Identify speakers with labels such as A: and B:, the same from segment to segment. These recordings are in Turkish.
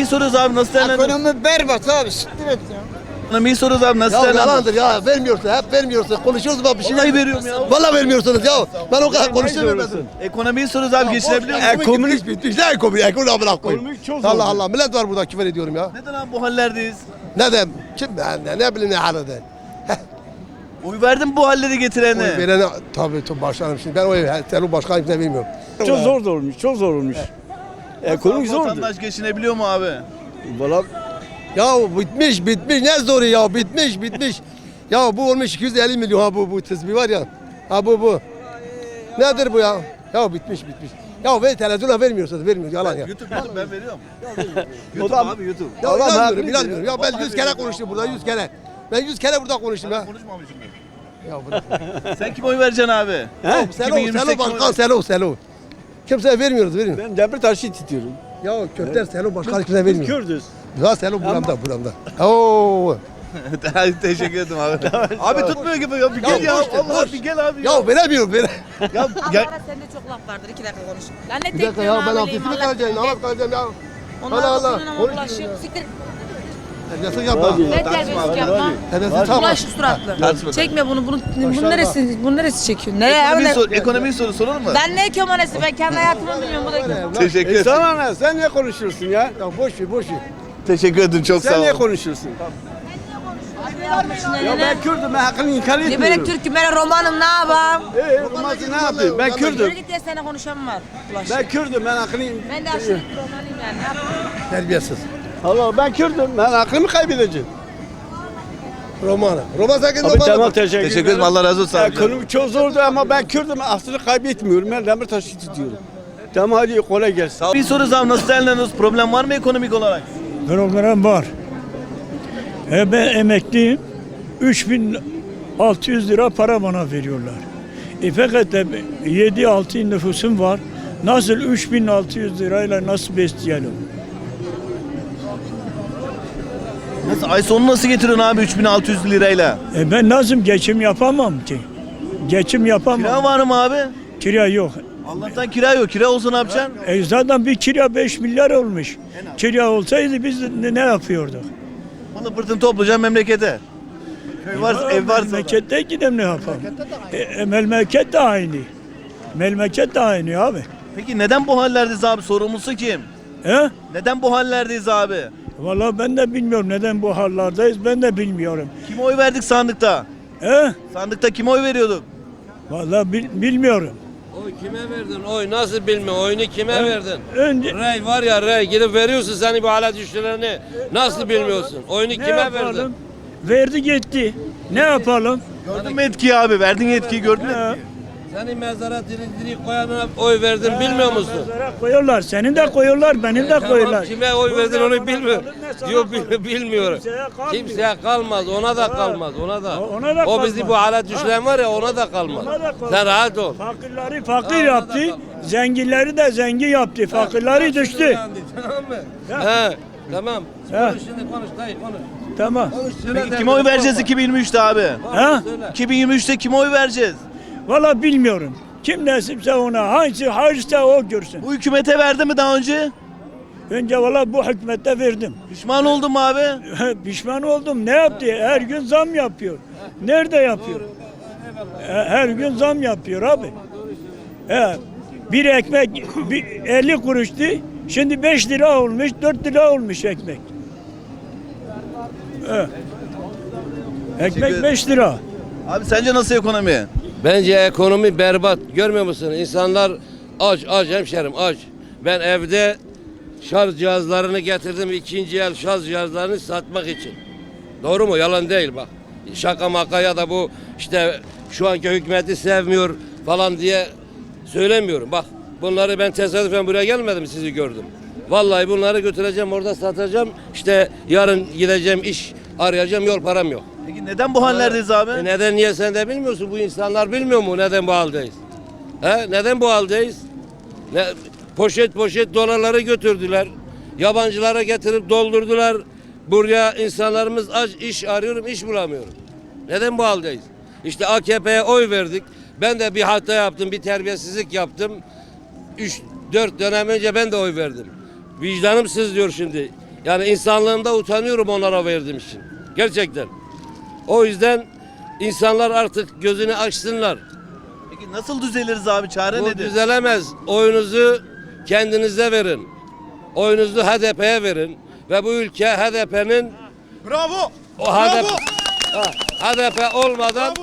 A: Ekonomiyi soruyoruz abi, nasıl değerlendiriyorsun?
B: Ekonomi berbat abi. Siktir et ya.
A: Ekonomiyi soruyoruz abi, nasıl
C: Ya
A: değerlendiriyorsun?
C: yalandır ya, vermiyorsun, hep vermiyorsun. Konuşuyoruz bak bir şey.
A: Vallahi veriyorum ya.
C: Vallahi vermiyorsunuz ya. Ben o kadar konuşamıyorum.
A: Ekonomiyi soruyoruz abi, geçinebiliyor musun?
C: Ekonomi bitmiş. Ne ekonomi? Ekonomi amına koyayım.
D: Ekonomi çok
C: Allah
D: zor.
C: Allah, millet var burada, küfür ediyorum ya.
A: Neden abi bu hallerdeyiz?
C: Ne dem? Kim ben ne bileyim ne halde.
A: Oy verdin bu halleri getirene.
C: Oy verene tabii başkanım şimdi ben oy sen başkan kimse vermiyorum.
D: Çok zor da olmuş, çok zor olmuş. Ekonomik zordu.
A: Vatandaş geçinebiliyor mu abi?
D: Valla
C: Ya bitmiş ne zoru ya bitmiş. Ya bu olmuş 250 milyon ha bu tesbih var ya. Ha bu. Nedir bu ya? Ya bitmiş. Ya ve televizyona vermiyorsunuz yalan ya.
A: YouTube ben veriyorum.
D: O
A: YouTube
D: da-
A: abi YouTube.
C: Ya
D: Adam
C: inanmıyorum.
D: haklı.
C: Ya ben 100 kere konuştum burada 100 kere. Ben 100 kere burada konuştum ya.
A: Konuşmamışım ben.
C: Ya bırak.
A: Sen kime oy vereceksin abi?
C: Selo
A: 2028
C: başkan Selo. Kimseye vermiyoruz.
D: ben Demirtaş'ı tutuyorum.
C: Ya Köfter Selo başkan kimseye vermiyor.
D: Kürdüz.
C: Ya Selo buramda. Oo.
A: Teşekkür ederim abi. Abi tutmuyor gibi ya, bir gel ya.
C: boş ver,
A: Allah
C: boş.
A: bir gel abi ya.
C: Ya veremiyorum.
A: Ya
E: Allah
A: gel.
E: ara sende çok laf vardır. 2 dakika konuş. Lan ne
C: Bir
E: tek
C: dakika ya ben abdestimi kalacağım. Namaz kalacağım ya.
E: Onlar
C: Allah Allah.
E: dokunun ama
C: Konuş
E: bulaşık.
C: ya.
E: Siktir.
C: Terbiyesiz yapma.
E: Ne terbiyesizlik yapma.
C: Terbiyesiz yapma.
E: Bulaşık suratlı.
A: Tartışma.
E: Çekme bunu. Bunu neresi çekiyor? Nereye?
A: Ekonomiyi soralım mı?
E: Ben ne ekonomisi? Ben kendi hayatımı bilmiyorum. Bu da
A: Teşekkür ederim.
D: Sana ne? Sen niye konuşuyorsun ya?
C: Ya boş ver.
A: Teşekkür ederim, çok sağ
D: Sen niye
A: ol.
D: konuşuyorsun? Ya
E: ne?
D: ben Kürdüm, ben hakkını inkar
E: Ne böyle
D: etmiyorum.
E: Türk'üm, ben Romanım, ne yapayım?
D: Romansı ne yapayım? Ben
E: Yürü
D: Kürdüm.
E: git diye sana konuşan var. Bulaşık.
D: Ben Kürdüm, ben hakkını...
E: Ben de aşırı Romanıyım yani. Ne yapayım?
C: Terbiyesiz.
D: Allah ben Kürdüm, ben aklımı kaybedeceğim.
C: Roman sen kendin
D: Abi
C: Roman'a
D: tamam
C: bak.
D: teşekkür
A: ederim, Allah razı olsun abi.
D: Ekonomi çok zordu ama ben Kürdüm, aslını kaybetmiyorum. Ben Demirtaş'ı tutuyorum. Tamam hadi kolay gelsin.
A: Bir soru abi, nasıl değerlendiriyoruz? Problem var mı ekonomik olarak?
F: Program var. Ben emekliyim. 3600 lira para bana veriyorlar. Fakat 7-6 nüfusum var. Nasıl 3600 lirayla nasıl besleyelim?
A: Nasıl, ay sonu nasıl getiriyorsun abi 3600 lirayla?
F: Ben nasıl geçim yapamam ki? Geçim yapamam.
A: Kira var mı abi?
F: Kira yok.
A: Allah'tan kira yok. Kira olsa ne yapacaksın?
F: Zaten bir kira 5 milyar olmuş. Kira olsaydı biz ne yapıyorduk?
A: Bunu pırtını toplayacaksın memlekete. Köy varsa, ev varsa.
F: Memlekette gidem ne yapalım? Memleket de aynı. Memleket de aynı abi.
A: Peki neden bu hallerdeyiz abi? Sorumlusu kim?
F: He?
A: Neden bu hallerdeyiz abi?
F: Vallahi ben de bilmiyorum neden bu hallardayız, ben de bilmiyorum.
A: Kime oy verdik sandıkta?
F: He?
A: Sandıkta kime oy veriyorduk?
F: Vallahi bilmiyorum.
G: Oy kime verdin? Oy nasıl bilmiyor? Oyunu kime verdin?
F: Önce
G: Rey var ya rey gidip veriyorsun seni bu hale düştülerini. Nasıl bilmiyorsun? Oyunu
F: ne
G: kime
F: yapalım?
G: verdin?
F: Verdi gitti. Ne yapalım?
A: Gördün mü etkiyi abi? Verdin yetkiyi, gördün mü
F: He.
A: etkiyi?
G: Seni mezara diri koyanına oy verdin bilmiyor musun?
F: Mezara koyuyorlar, senin de koyuyorlar, benim de
G: Tamam,
F: koyuyorlar.
G: kime oy verdin onu bilmiyor.
F: Ne sana
G: Diyor
F: kalır?
G: bilmiyorum.
F: Kimseye kalmıyor.
G: Kimseye kalmaz, ona da kalmaz, ona da.
F: Ona da
G: O bizi
F: kalmaz.
G: bu hale düşüren var ya ona da kalmaz.
F: Ona da kalmaz.
G: Sen rahat ol.
F: Fakirleri fakir yaptı, zenginleri de zengin yaptı. Fakirleri düştü.
G: Tamam mı? He, tamam.
F: He.
G: Konuş şimdi konuş dayı konuş.
F: Tamam.
A: Peki kime oy vereceğiz 2023'te abi?
F: Ha?
A: 2023'te kime oy vereceğiz?
F: Vallahi bilmiyorum. Kim nasipse ona, hangisi hayırsa o görsün.
A: Bu hükümete verdi mi daha önce?
F: Önce vallahi bu hükümete verdim.
A: Pişman oldun mu abi?
F: Pişman oldum. Ne yaptı? Her gün zam yapıyor. Nerede yapıyor? Her gün zam yapıyor abi. Bir ekmek 50 kuruştu. Şimdi 5 lira olmuş, 4 lira olmuş ekmek. Ekmek 5 lira.
A: Abi sence nasıl ekonomi?
G: Bence ekonomi berbat. Görmüyor musun? İnsanlar aç hemşerim aç. Ben evde şarj cihazlarını getirdim. İkinci el şarj cihazlarını satmak için. Doğru mu? Yalan değil bak. Şaka maka ya da bu işte şu anki hükümeti sevmiyor falan diye söylemiyorum. Bak bunları ben tesadüfen buraya gelmedim sizi gördüm. Vallahi bunları götüreceğim orada satacağım. İşte yarın gideceğim iş arayacağım yol param yok.
A: Peki neden bu hallerdeyiz abi?
G: Neden niye sen de bilmiyorsun? Bu insanlar bilmiyor mu neden bu haldeyiz? He? Neden bu haldeyiz? Poşet dolarları götürdüler. Yabancılara getirip doldurdular. Buraya insanlarımız aç iş arıyorum, iş bulamıyorum. Neden bu haldeyiz? İşte AKP'ye oy verdik. Ben de bir hata yaptım, bir terbiyesizlik yaptım. 3-4 dönem önce ben de oy verdim. Vicdanım sızlıyor şimdi. Yani insanlığımda utanıyorum onlara verdiğim için. Gerçekten. O yüzden insanlar artık gözünü açsınlar.
A: Peki nasıl düzeliriz abi? Çare
G: Bu
A: nedir?
G: düzelemez. Oyunuzu kendinize verin. Oyunuzu HDP'ye verin. Ve bu ülke HDP'nin
A: Bravo!
G: o HDP olmadan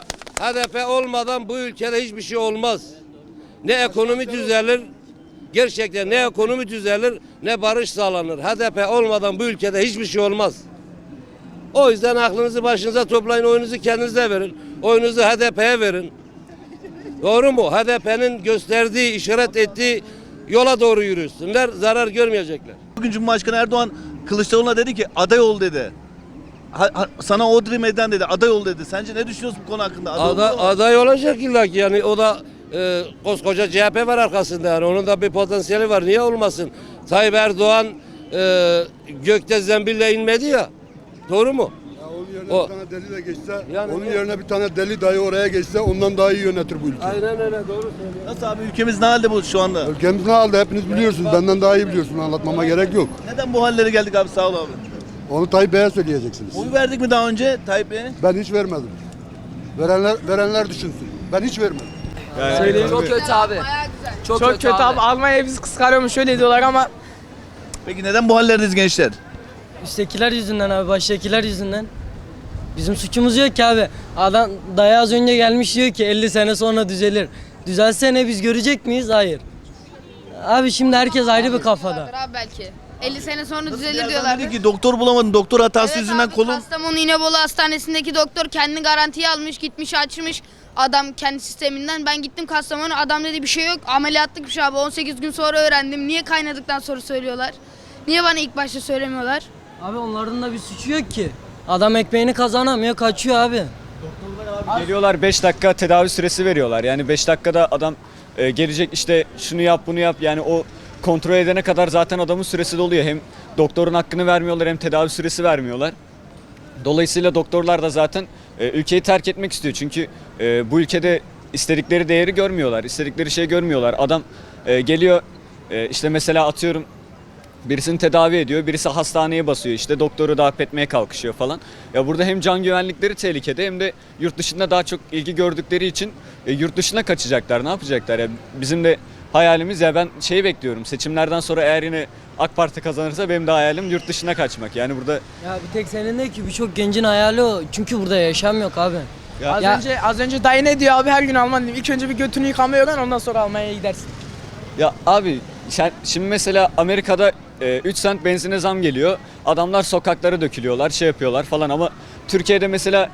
G: HDP olmadan bu ülkede hiçbir şey olmaz. Ne ekonomi düzelir, gerçekten ne ekonomi düzelir, ne barış sağlanır. HDP olmadan bu ülkede hiçbir şey olmaz. O yüzden aklınızı başınıza toplayın, oyunuzu kendinize verin. Oyunuzu HDP'ye verin. Doğru mu? HDP'nin gösterdiği, işaret ettiği yola doğru yürüsünler, zarar görmeyecekler.
A: Bugün Cumhurbaşkanı Erdoğan Kılıçdaroğlu'na dedi ki aday ol dedi. Sana Odri Meydan dedi, aday ol dedi. Sence ne düşünüyorsun bu konu hakkında?
G: Aday olacak illa ki, yani o da koskoca CHP var arkasında, yani onun da bir potansiyeli var, niye olmasın? Tayyip Erdoğan gökte zembille inmedi ya, doğru mu?
H: Onun yerine
G: O-
H: bir tane deli de geçse,
G: Yani
H: onun
G: o-
H: yerine bir tane deli dayı oraya geçse ondan daha iyi yönetir bu ülkeyi.
G: Aynen öyle, doğru söylüyorsun.
A: Nasıl abi, ülkemiz ne halde bu şu anda?
H: Ülkemiz ne halde hepiniz biliyorsunuz, benden daha iyi biliyorsunuz, anlatmama gerek yok.
A: Neden bu hallere geldik abi, sağ ol abi.
H: Onu Tayyip Bey'e söyleyeceksiniz.
A: Oy verdik mi daha önce Tayyip Bey'e?
H: Ben hiç vermedim. Verenler düşünsün. Ben hiç vermedim.
I: Çok kötü abi. Çok kötü abi.
B: Almanya bizi kıskanıyormuş şöyle diyorlar ama
A: Peki neden bu hallerdeyiz gençler?
I: Üsttekiler yüzünden abi, baştakiler yüzünden. Bizim suçumuz yok ki abi. Adam dayı az önce gelmiş diyor ki 50 sene sonra düzelir. Düzelse ne, biz görecek miyiz? Hayır. Abi şimdi herkes ayrı bir kafada.
J: Abi belki. 50 sene sonra düzelir
A: Birazdan
J: diyorlar.
A: dedi ki doktor bulamadın, doktor hatası
J: Evet
A: yüzünden
J: abi,
A: kolum.
J: Kastamonu İnebolu Hastanesi'ndeki doktor kendini garantiye almış, gitmiş açmış adam kendi sisteminden. Ben gittim Kastamonu, adam dedi bir şey yok, ameliyatlık bir şey abi. 18 gün sonra öğrendim. Niye kaynadıktan sonra söylüyorlar? Niye bana ilk başta söylemiyorlar?
I: Abi onların da bir suçu yok ki. Adam ekmeğini kazanamıyor, kaçıyor abi.
K: Geliyorlar 5 dakika tedavi süresi veriyorlar. Yani 5 dakikada adam gelecek, işte şunu yap bunu yap, yani o kontrol edene kadar zaten adamın süresi doluyor. Hem doktorun hakkını vermiyorlar hem tedavi süresi vermiyorlar. Dolayısıyla doktorlar da zaten ülkeyi terk etmek istiyor. Çünkü bu ülkede istedikleri değeri görmüyorlar, istedikleri şeyi görmüyorlar. Adam geliyor, işte mesela atıyorum birisini tedavi ediyor, birisi hastaneye basıyor, işte doktoru darp etmeye kalkışıyor falan. Ya burada hem can güvenlikleri tehlikede hem de yurt dışında daha çok ilgi gördükleri için yurt dışına kaçacaklar. Ne yapacaklar ya? Bizim de hayalimiz, ya ben şeyi bekliyorum. Seçimlerden sonra eğer yine AK Parti kazanırsa benim de hayalim yurt dışına kaçmak. Yani burada
I: Ya bir tek senin değil ki, birçok gencin hayali o. Çünkü burada yaşam yok abi.
B: az önce dayı ne diyor abi, her gün Alman diyor. İlk önce bir götünü yıkamaya öğren, ondan sonra Almanya'ya gidersin.
K: ya abi şimdi mesela Amerika'da 3 sent benzine zam geliyor. Adamlar sokaklara dökülüyorlar, şey yapıyorlar falan, ama Türkiye'de mesela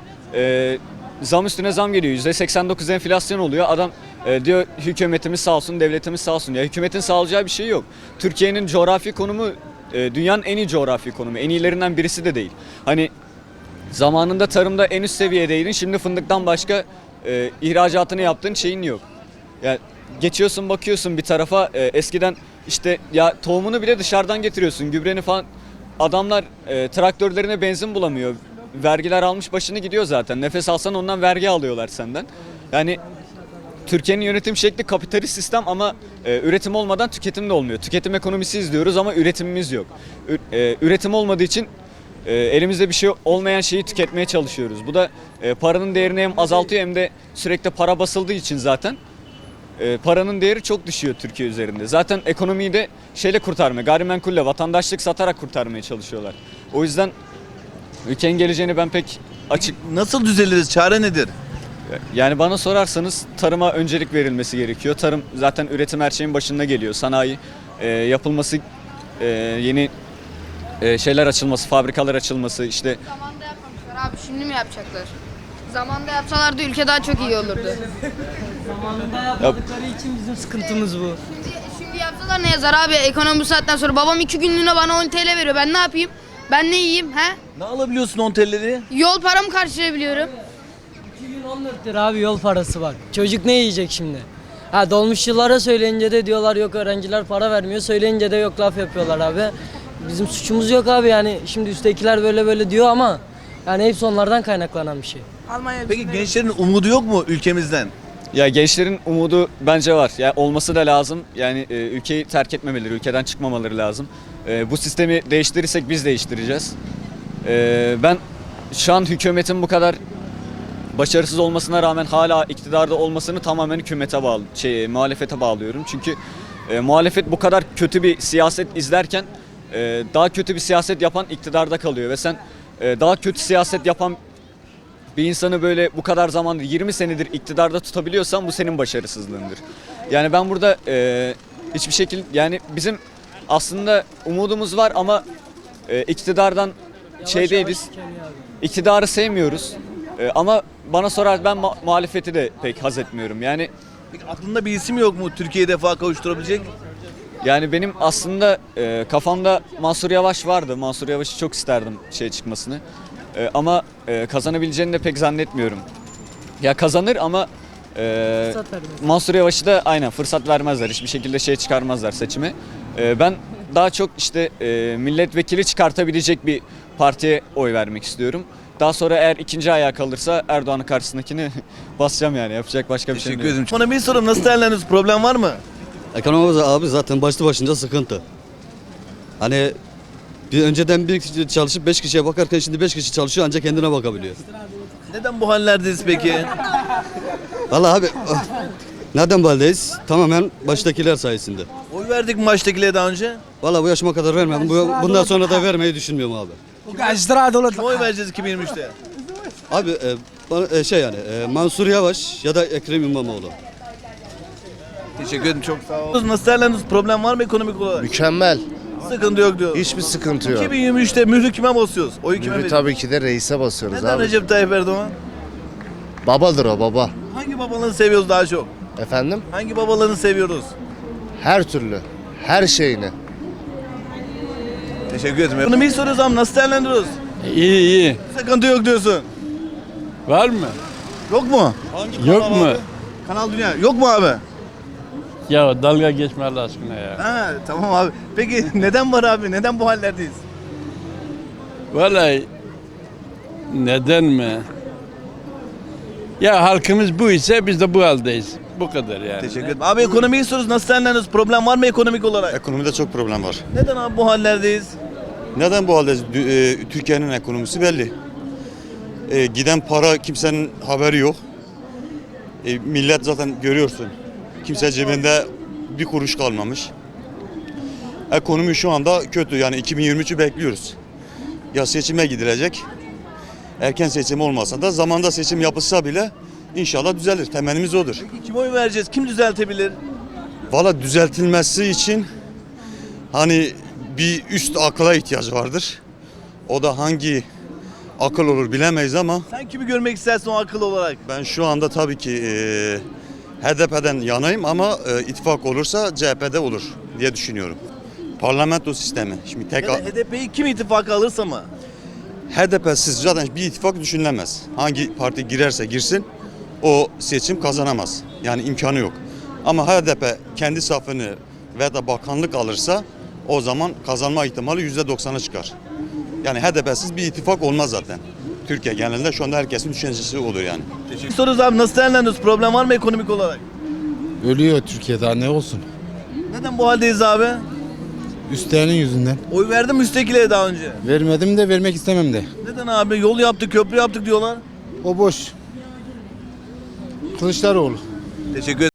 K: zam üstüne zam geliyor. %89 enflasyon oluyor. Adam diyor hükümetimiz sağ olsun, devletimiz sağ olsun. Ya hükümetin sağlayacağı bir şey yok. Türkiye'nin coğrafi konumu dünyanın en iyi coğrafi konumu. En iyilerinden birisi de değil. Hani zamanında tarımda en üst seviyedeydin. Şimdi fındıktan başka ihracatını yaptığın şeyin yok. Ya geçiyorsun, bakıyorsun bir tarafa, eskiden işte ya tohumunu bile dışarıdan getiriyorsun, gübreni falan. Adamlar traktörlerine benzin bulamıyor. Vergiler almış başını gidiyor zaten. Nefes alsan ondan vergi alıyorlar senden. Yani Türkiye'nin yönetim şekli kapitalist sistem, ama üretim olmadan tüketim de olmuyor. Tüketim ekonomisi izliyoruz ama üretimimiz yok. Üretim olmadığı için elimizde bir şey olmayan şeyi tüketmeye çalışıyoruz. Bu da paranın değerini hem azaltıyor hem de sürekli para basıldığı için zaten paranın değeri çok düşüyor Türkiye üzerinde. Zaten ekonomiyi de şeyle kurtarmaya, gayrimenkulle, vatandaşlık satarak kurtarmaya çalışıyorlar. O yüzden ülkenin geleceğini ben pek açık...
A: Nasıl düzeliriz? Çare nedir?
K: Yani bana sorarsanız tarıma öncelik verilmesi gerekiyor. Tarım zaten üretim her şeyin başında geliyor. Sanayi yapılması, yeni şeyler açılması, fabrikalar açılması, işte...
J: Zamanında yapmamışlar abi, şimdi mi yapacaklar? Zamanında yapsalardı ülke daha çok iyi olurdu.
I: Zamanında yapmadıkları için bizim sıkıntımız bu.
J: Şimdi yapsalar ne yazar abi, ekonomi bu saatten sonra. Babam 2 günlüğüne bana 10 TL veriyor, ben ne yapayım? Ben ne yiyeyim he?
A: Ne alabiliyorsun 10 TL'leri?
J: Yol paramı karşılayabiliyorum.
I: 2 gün 14 lira abi yol parası bak. Çocuk ne yiyecek şimdi? Ha, dolmuşçulara söyleyince de diyorlar yok öğrenciler para vermiyor. Söyleyince de yok laf yapıyorlar abi. Bizim suçumuz yok abi, yani şimdi üsttekiler böyle böyle diyor ama yani hepsi onlardan kaynaklanan bir şey.
B: Almanya
A: Peki gençlerin umudu yok mu ülkemizden?
K: Ya gençlerin umudu bence var. Ya olması da lazım. Yani ülkeyi terk etmemeleri, ülkeden çıkmamaları lazım. Bu sistemi değiştirirsek biz değiştireceğiz. Ben şu an hükümetin bu kadar başarısız olmasına rağmen hala iktidarda olmasını tamamen hükümete muhalefete bağlıyorum. Çünkü muhalefet bu kadar kötü bir siyaset izlerken daha kötü bir siyaset yapan iktidarda kalıyor ve sen daha kötü siyaset yapan bir insanı böyle bu kadar zamandır 20 senedir iktidarda tutabiliyorsan bu senin başarısızlığındır. Yani ben burada hiçbir şekilde yani bizim aslında umudumuz var ama iktidardan değiliz. İktidarı sevmiyoruz. Ama bana sorar ben muhalefeti de pek haz etmiyorum. Yani
A: Peki aklında bir isim yok mu Türkiye'yi defa kavuşturabilecek?
K: yani benim aslında kafamda Mansur Yavaş vardı. Mansur Yavaş'ı çok isterdim çıkmasını. Ama kazanabileceğini de pek zannetmiyorum. Ya kazanır ama Mansur Yavaş'ı da aynen fırsat vermezler. Hiçbir şekilde çıkarmazlar seçime. Ben daha çok milletvekili çıkartabilecek bir partiye oy vermek istiyorum. Daha sonra eğer ikinci ayağa kalırsa Erdoğan'ın karşısındakini basacağım yani. Yapacak başka bir şey
A: Teşekkür
K: yok.
A: ederim. Bana bir sorum, nasıl değerlendiriyorsunuz? Problem var mı?
H: Ekonomimiz abi zaten başlı başınca sıkıntı. Hani önceden bir kişi çalışıp 5 kişiye bakarken şimdi 5 kişi çalışıyor ancak kendine bakabiliyor.
A: Neden bu hallerdeyiz peki?
H: Vallahi abi neden bu haldeyiz? Tamamen baştakiler sayesinde.
A: Oy verdik mi baştakilere daha önce?
H: Vallahi bu yaşıma kadar vermedim. Bundan sonra da vermeyi düşünmüyorum abi.
A: Kime oy vereceğiz 2023'te?
H: Abi Mansur Yavaş ya da Ekrem İmamoğlu.
A: Teşekkür ederim, çok sağ olun. Nasıl değerlendiriyorsunuz? Problem var mı ekonomik olarak?
L: Mükemmel.
A: Sıkıntı yok diyor.
L: Hiçbir sıkıntı yok.
A: 2023'te mührü kime basıyoruz? Oyu kime veriyoruz?
L: Tabii ki de reise basıyoruz
A: Neden
L: abi.
A: Recep Tayyip Erdoğan?
L: Babadır o baba.
A: Hangi babalarını seviyoruz daha çok?
L: Efendim?
A: Hangi babalarını seviyoruz?
L: Her türlü. Her şeyini.
A: Teşekkür ederim. Ekonomiyi soruyoruz ama nasıl değerlendiriyoruz?
F: İyi.
A: Sıkıntı yok diyorsun.
F: Var mı?
A: Yok mu?
F: Yok mu?
A: Kanal Dünya. Yok mu abi?
F: Ya dalga geçme Allah aşkına ya.
A: Ha, tamam abi. Peki neden var abi? Neden bu hallerdeyiz?
F: Vallahi neden mi? Ya halkımız bu ise biz de bu haldeyiz. Bu kadar yani.
A: Teşekkür ederim. Abi ekonomiyi soruyoruz. Nasıl değerlendiriyoruz? Problem var mı ekonomik olarak?
H: Ekonomide çok problem var.
A: Neden abi bu hallerdeyiz?
H: Neden bu haldeyiz? Türkiye'nin ekonomisi belli. Giden para kimsenin haberi yok. Millet zaten görüyorsun. Kimse cebinde bir kuruş kalmamış. Ekonomi şu anda kötü. Yani 2023'ü bekliyoruz. Ya seçime gidilecek. Erken seçim olmasa da zamanda seçim yapılsa bile inşallah düzelir. Temennimiz odur.
A: Peki kime oy vereceğiz? Kim düzeltebilir?
H: Valla düzeltilmesi için hani bir üst akla ihtiyaç vardır. O da hangi akıl olur bilemeyiz ama
A: Sen kimi görmek istersin o akıl olarak?
H: ben şu anda tabii ki HDP'den yanayım ama ittifak olursa CHP'de olur diye düşünüyorum. Parlamento sistemi. Şimdi tek
A: Ya da HDP'yi kim ittifaka alırsa mı?
H: HDP'siz zaten bir ittifak düşünülemez. Hangi parti girerse girsin o seçim kazanamaz. Yani imkanı yok. Ama HDP kendi safını ve da bakanlık alırsa o zaman kazanma ihtimali %90'a çıkar. Yani HDP'siz bir ittifak olmaz zaten. Türkiye genelinde şu anda herkesin düşüncesi olur yani.
A: Teşekkür soruyoruz abi, nasıl değerlendiriyoruz? Problem var mı ekonomik olarak?
L: Ölüyor Türkiye, daha ne olsun?
A: Neden bu haldeyiz abi?
L: Üstlerinin yüzünden.
A: Oy verdim müstakileye daha önce.
L: Vermedim de vermek istemem de.
A: Neden abi? Yol yaptık, köprü yaptık diyorlar.
L: O boş. Kılıçdaroğlu.
A: Teşekkür ederim.